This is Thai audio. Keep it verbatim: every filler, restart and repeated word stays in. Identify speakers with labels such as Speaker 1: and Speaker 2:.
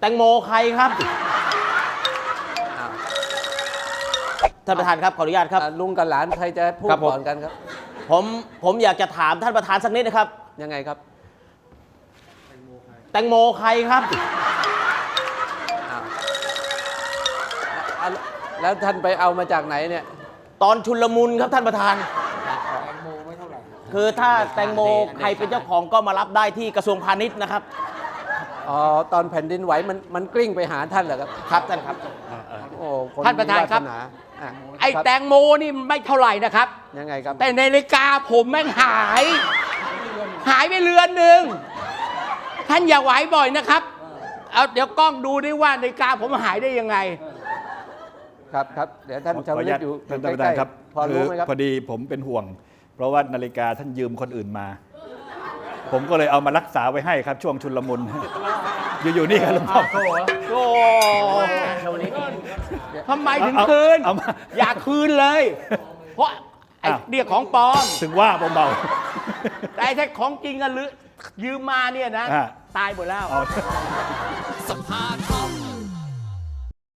Speaker 1: แตงโมใครครับท่านประธานครับขออนุญาตครับ
Speaker 2: อ่ะลุงกับหลานใครจะพูด
Speaker 1: ครับผม
Speaker 2: ก่อนกันครับ
Speaker 1: ผมผมอยากจะถามท่านประธานสักนิดนะครับ
Speaker 2: ยังไงครับ
Speaker 1: แตงโมใครครับ
Speaker 2: อ้าวอ่ะแล้วท่านไปเอามาจากไหนเนี่ย
Speaker 1: ตอนชุลมุนครับท่านประธานคือถ้าแตงโมใครเป็นเจ้าของก็มารับได้ที่กระทรวงพาณิชย์นะครับ
Speaker 2: อ๋อตอนแผ่นดินไหวมันมันกลิ้งไปหาท่านเหรอครับ
Speaker 1: ครับท่านครับ
Speaker 2: โอ้ค
Speaker 3: ท่านประธานครับ
Speaker 2: มีวสอ่ะ
Speaker 3: ไอ้
Speaker 2: ครับ
Speaker 3: แตงโมนี่ไม่เท่าไหร่นะครับ
Speaker 2: ยังไงครับ
Speaker 3: แต่ในนาฬิกาผมแม่งหาย หายไปเรือนหนึ่งท่านอย่าไหวบ่อยนะครับ เอาเดี๋ยวกล้องดูด้วยว่านาฬิกาผมหายได้ยังไง
Speaker 2: ครับครับเดี๋ยวท่าน
Speaker 4: ขอ
Speaker 2: ชาว
Speaker 4: อนุ
Speaker 2: ลิ
Speaker 4: ญา
Speaker 2: ต
Speaker 4: ต
Speaker 2: อยู่
Speaker 4: ท่าน
Speaker 2: ใก
Speaker 4: ประธา
Speaker 2: ล้
Speaker 4: นครับ
Speaker 2: ๆพอรู้ไหมครับ
Speaker 4: พอดีผมเป็นห่วง เพราะว่านาฬิกาท่านยืมคนอื่นมา ผมก็เลยเอามารักษาไว้ให้ครับช่วงชุลมุน อยู่ๆนี่ครับหลวงพ่อ
Speaker 3: โอ้ทำไมถึงคืน
Speaker 4: เอามา
Speaker 3: อย่าคืนเลย เพราะไอ้
Speaker 4: อ้าว
Speaker 3: เนี่ยของปลอม
Speaker 4: ถึงว่าเบา
Speaker 3: แต่ไอ้ถ้าของจริงอะหรือยืมมาเนี่ยนะ
Speaker 4: อ่า
Speaker 3: ตายหมดแล้ว
Speaker 4: ๆเอา
Speaker 5: สภาธรร